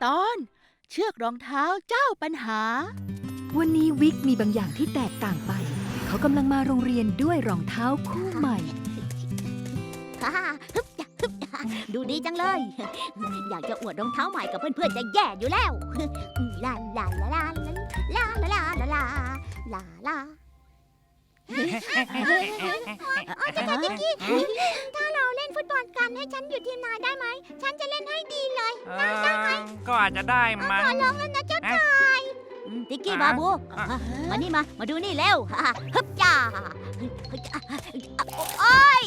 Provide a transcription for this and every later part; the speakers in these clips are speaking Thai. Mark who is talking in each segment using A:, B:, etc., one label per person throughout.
A: ตอนเชือกรองเท้าเจ้าปัญหา
B: วันนี้วิกมีบางอย่างที่แตกต่างไป เขากำลังมาโรงเรียนด้วยรองเท้าคู่ใหม่
C: ดูดีจังเลย อยากจะอวดรองเท้าใหม่กับเพื่อนๆจะแย่อยู่แล้ว ลาลาลาลาลาลาลาลาลาลาลาจิกกี้ถ้าเราเล่นฟุตบอลกันให้ฉันอยู่ทีมนายได้ไหม ฉันจะเล่นให้ดีเลยได้ไหม
D: ก็อาจจะได้มั้ง
C: ขอร้องแล้วนะเจ้าชายจิกกี้บาบูมานี่มาดูนี่เร็วฮึบจ้าโอ้ย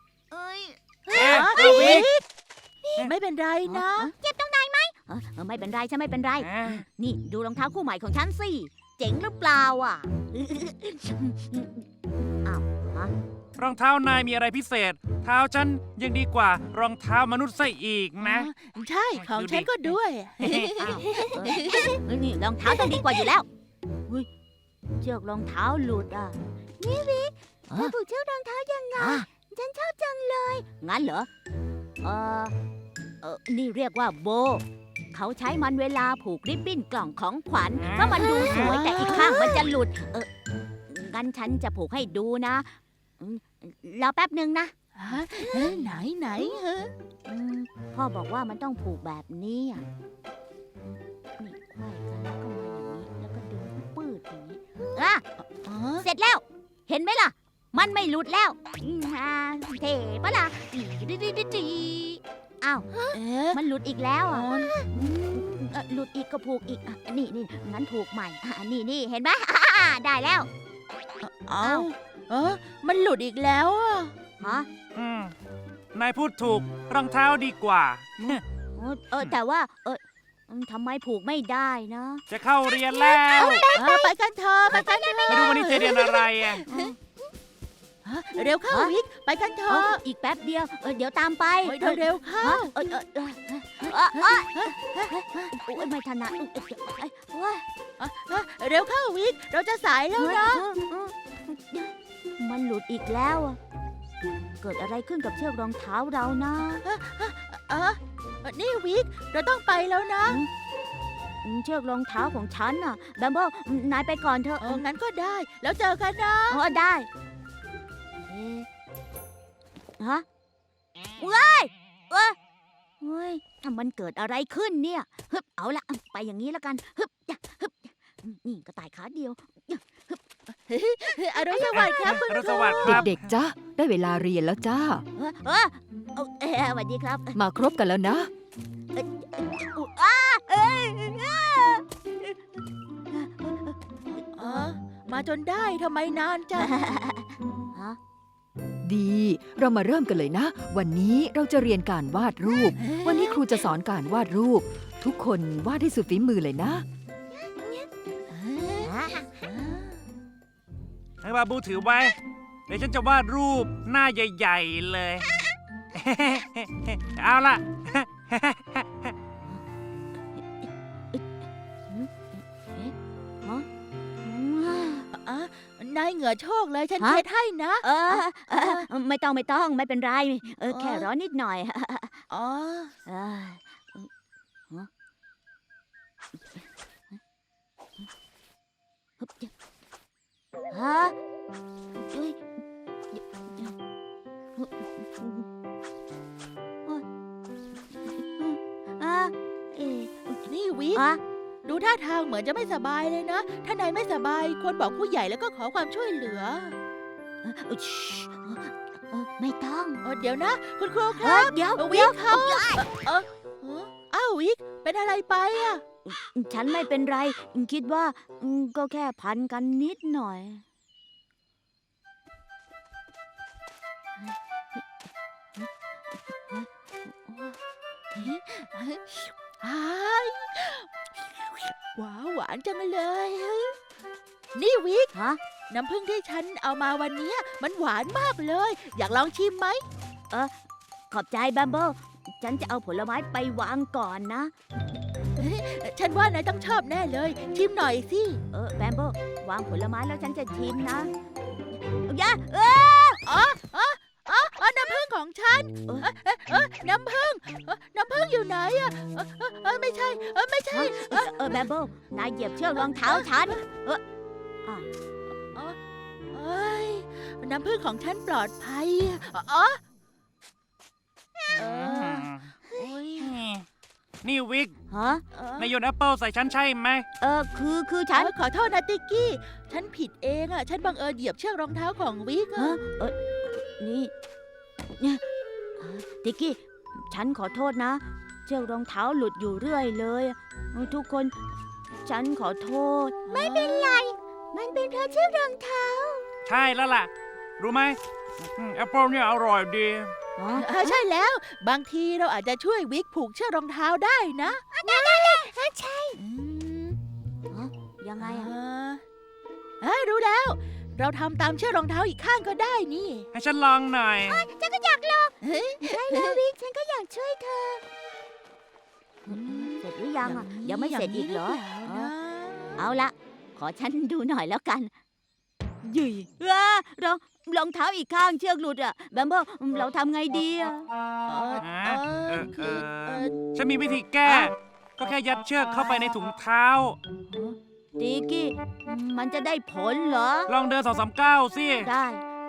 D: วิก
A: ไม่เป็นไรนะ
C: เจ็บตรงไหนไหมไม่เป็นไรฉันไม่เป็นไร นี่ดูรองเท้าคู่ใหม่ของฉันสิ เจ๋งหรือเปล่าอ่ะ
D: รองเท้านายมีอะไรพิเศษ เท้าฉันยังดีกว่ารองเท้ามนุษย์ซะอีกนะ
A: ใช่ของฉันก็ด้วย
C: นี่รองเท้าต้องดีกว่าอยู่แล้วเชือกรองเท้าหลุดอ่ะนี่วิกเธอผูกเชือกรองเท้ายังไงฉันชอบจังเลยงั้นเหรอนี่เรียกว่าโบเขาใช้มันเวลาผูกริบบิ้นกล่องของขวัญเพราะมันดูสวยแต่อีกข้างมันจะหลุดงั้นฉันจะผูกให้ดูนะรอแป๊บหนึ่งนะ
A: ไหน
C: พ่อบอกว่ามันต้องผูกแบบนี้นี่ไขว้กันแล้วก็มาอย่างนี้แล้วก็ดึงปืดอย่างนี้เสร็จแล้วเห็นไหมล่ะมันไม่หลุดแล้วเท่ปะล่ะอ้าวมันหลุดอีกแล้วหลุดอีกก็ผูกอีกนี่งั้นผูกใหม่นี่เห็นไหมได้แล้ว
A: มันหลุดอีกแล้ว
C: ฮะ
D: นายพูดถูกรองเท้าดีกว่า
C: แต่ว่าทำไมผูกไม่ได้นะ
D: จะเข้าเรียนแล้ว
A: ไปกันเถอะไป
D: ดูวันนี้จะเรียนอะไร
A: เร็วเข้าวิกไปกันเถอะ
C: อีกแป๊บเดียวเดี๋ยวตามไป
A: เร็วเข้า
C: ไม่ถนัด
A: เร็วเข้าวิกเราจะสายแล้วนะ
C: มันหลุดอีกแล้วเกิดอะไรขึ้นกับเชือกรองเท้าเรานะ
A: นี่วิกเราต้องไปแล้วนะ
C: เชือกรองเท้าของฉันน่ะแบมเบิลนายไปก่อนเถอะ
A: งั้นก็ได้แล้วเจอกันนะ
C: ได้ฮะเว้ยถ้ามันเกิดอะไรขึ้นเนี่ยฮึบเอาละไปอย่างนี้แล้วกันฮึบนี่กระต่ายขาเดียว
A: อรุณสวัสดิ์ครับคุณครู
B: เด็กๆจ้าได้เวลาเรียนแล้วจ้า
C: สวัสดีครับ
B: มาครบกันแล้วนะ
A: มาจนได้ทำไมนานจัง
B: ดีเรามาเริ่มกันเลยนะวันนี้เราจะเรียนการวาดรูปวันนี้ครูจะสอนการวาดรูปทุกคนวาดให้สุดฝีมือเลยนะ
D: ให้บาบูถือไว้เดี๋ยวฉันจะวาดรูปหน้าใหญ่ๆเลยเอาล่ะ
A: นายเหงื่อโชกเลยฉันเช็ดให้นะ
C: ไม่ต้องไม่เป็นไรแค่ร้อนนิดหน่อยฮะ
A: นี่วิกดูท่าทางเหมือนจะไม่สบายเลยนะถ้านายไม่สบายควรบอกผู้ใหญ่แล้วก็ขอความช่วยเหลือ
C: ไม่ต้อง
A: เดี๋ยวนะคุณครูครับ
C: เดี๋ยว
A: วิกเขาวิกเป็นอะไรไป
C: ฉันไม่เป็นไรคิดว่าก็แค่พันกันนิดหน่อย
A: หวานจังเลยนี่วิกน้ำผึ้งที่ฉันเอามาวันนี้มันหวานมากเลยอยากลองชิมไหม
C: ขอบใจแบมเบิลฉันจะเอาผลไม้ไปวางก่อนนะ
A: ฉันว่านายต้องชอบแน่เลยชิมหน่อยสิ
C: แบมเบิลวางผลไม้แล้วฉันจะชิมนะ
A: น้ำผึ้งของของฉันน้ำผึ้งน้ำผึ้งอยู่ไหนอะไม่ใช่ไม่ใช่
C: แบมเบิลนายเหยียบเชือกรองเท้าฉัน
A: เอ้ยน้ำผึ้งของฉันปลอดภัยอ๋อโอ้ย
D: นี่วิก
C: ฮะ
D: นายโยนแอปเปิลใส่ฉันใช่ไหม
C: คือฉัน
A: ขอโทษนะติ๊กกี้ ฉันผิดเองอะฉันบังเอิญเหยียบเชือกรองเท้าของวิก
C: ฮะนี่เนี่ยติ๊กกี้ ฉันขอโทษนะ เชือกรองเท้าหลุดอยู่เรื่อยเลยทุกคน ฉันขอโทษ ไม่เป็นไร มันเป็นเพราะเชือกรองเท้า
D: ใช่แล้วล่ะ รู้ไหมแอปเปิลเนี่ยอร่อยดี
A: ใช่แล้ว บางทีเราอาจจะช่วยวิกผูกเชือกรองเท้าได้นะใช่
C: ยังไงอะ
A: รู้แล้ว เราทำตามเชือกรองเท้าอีกข้างก็ได้นี่
D: ให้ฉันลองหน่อย
C: ฉันก็อยากลองใช่แล้ววิกฉันก็อยากช่วยเธอ เสร็จหรือยังอะยังไม่เสร็จอีกเหรอ เอาละ ขอฉันดูหน่อยแล้วกันยุยรองเท้าอีกข้างเชือกหลุดอะแบมเบิลเราทำไงดีอะ
D: ฉันมีวิธีแก้ ก็แค่ยัดเชือกเข้าไปในถุงเท้า
C: ตีกี้ มันจะได้ผลเหรอ
D: ลองเดิน2-3 ก้าวสิ
C: ได้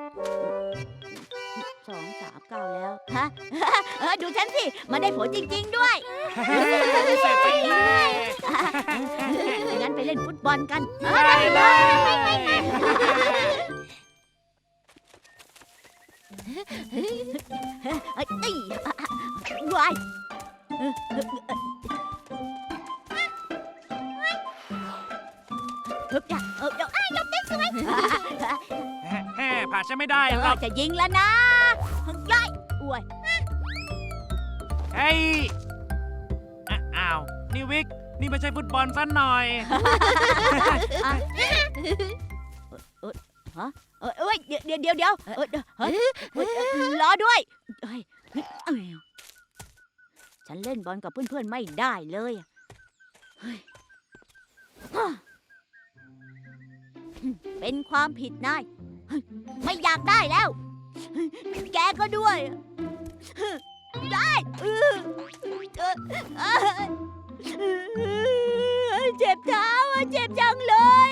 C: 2 3 9แล้วฮะ ดูฉันสิ มันได้ผลจริง ๆ ด้วย
D: เสร็จไปเลย
C: งั้นไปเล่นฟุตบอลกัน
D: ได้เลย
C: วายยกได้สวย
D: ผ่าฉันไม่ได้หรอก
C: จะยิงแล้วนะย้ายอวย
D: เฮ้ยอ้าว นี่วิก นี่ไม่ใช่ฟุตบอลซะหน่อย
C: เดี๋ยวรอด้วยฉันเล่นบอลกับเพื่อนๆไม่ได้เลยเป็นความผิดนายไม่อยากได้แล้ว แกก็ด้วยได้เจ็บเท้าเจ็บจังเลย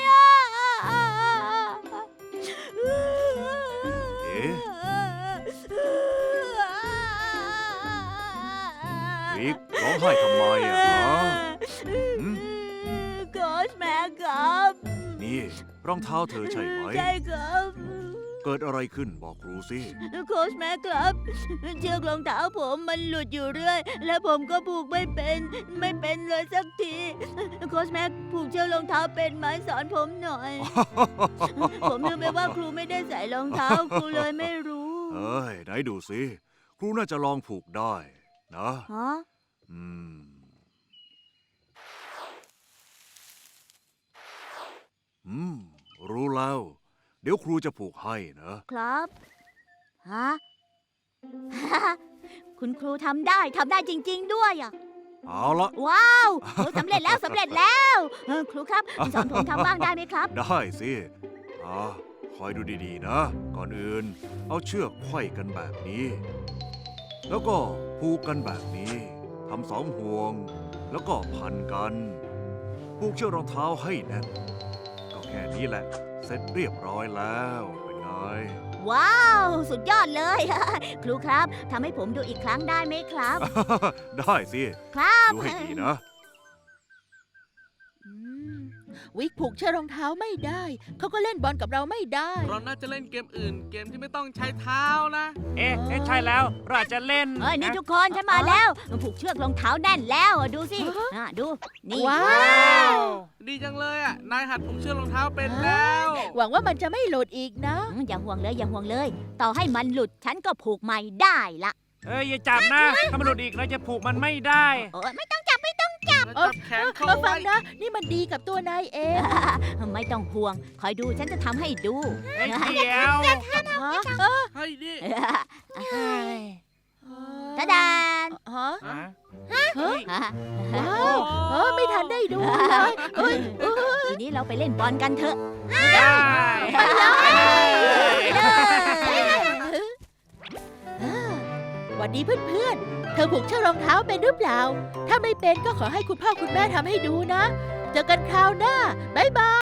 E: วิกร้องไห้ทำไมอ่ะฮะ
C: โค้ชแม่ครับ
E: นี่รองเท้าเธอใช่ไหม
C: ใช่ครับ
E: เกิดอะไรขึ้นบอกครูสิ
C: โค้ชแม่ครับเชือกรองเท้าผมมันหลุดอยู่เรื่อย และผมก็ผูกไม่เป็นเลยสักทีโค้ชแม่ผูกเชือกรองเท้าเป็นไหมสอนผมหน่อย ผมลืมไปว่าครูไม่ได้ใส่รองเท้าครูเลยไม่รู้
E: เอ้ยไหนดูสิครูน่าจะลองผูกได้นะ
C: ฮะ
E: รู้แล้ว เดี๋ยวครูจะผูกให้นะครับ
C: ฮะ คุณครูทำได้จริง ๆ ด้วยอ่ะ
E: เอาละ
C: ว้าวสำเร็จแล้วครูครับสอนผมทำบ้างได้ไหมครับ
E: ได้สิคอยดูดีๆนะ ก่อนอื่นเอาเชือกไขว้กันแบบนี้ แล้วก็ผูกกันแบบนี้ทำ2 ห่วง แล้วก็พันกันผูกเชือกรองเท้าให้แน่นก็แค่นี้แหละ เสร็จเรียบร้อยแล้วเป็นไง
C: ว้าว สุดยอดเลย ครูครับทำให้ผมดูอีกครั้งได้ไหมครับ
E: ได้สิ
C: ครับ
E: ดูให้ดีนะ
A: วิกผูกเชือกรองเท้าไม่ได้ เขาก็เล่นบอลกับเราไม่ได้
F: เราน่าจะเล่นเกมอื่น เกมที่ไม่ต้องใช้เท้านะ
D: เอ๊ะใช่แล้ว เราอาจจะเล่น
C: นี่ทุกคนฉันมาแล้วผูกเชือกรองเท้าแน่นแล้วดูสิดูนี่
A: ว้าว
F: ดีจังเลยอ่ะ นายหัดผูกเชือกรองเท้าเป็นแล้ว
A: หวังว่ามันจะไม่หลุดอีกนะ
C: อย่าห่วงเลย ต่อให้มันหลุดฉันก็ผูกใหม่ได้ละ
D: อย่าจับนะ ถ้ามันหลุดอีกเราจะผูกมันไม่ได้
C: ไม่ต้องจับ
F: แล้วจับแขนเขา
A: มาฟั
F: ไว้
A: งนะ นี่มันดีกับตัวนายเอง
C: ไม่ต้องห่วง คอยดูฉันจะทำให้ดู
D: เดี๋ยว
F: เฮ้ยนี่
C: ตาดาน
A: ฮะ
D: เฮ้ย
A: ว้าวไม่ทันได้ดูเลยเอ้ย
C: ทีนี้เราไปเล่นบอลกันเถอะ
D: ได้
A: ไปเลยดีเพื่อนๆ เธอผูกเชือกรองเท้าเป็นหรือเปล่า ถ้าไม่เป็นก็ขอให้คุณพ่อคุณแม่ทำให้ดูนะ เจอกันคราวหน้า บ๊ายบาย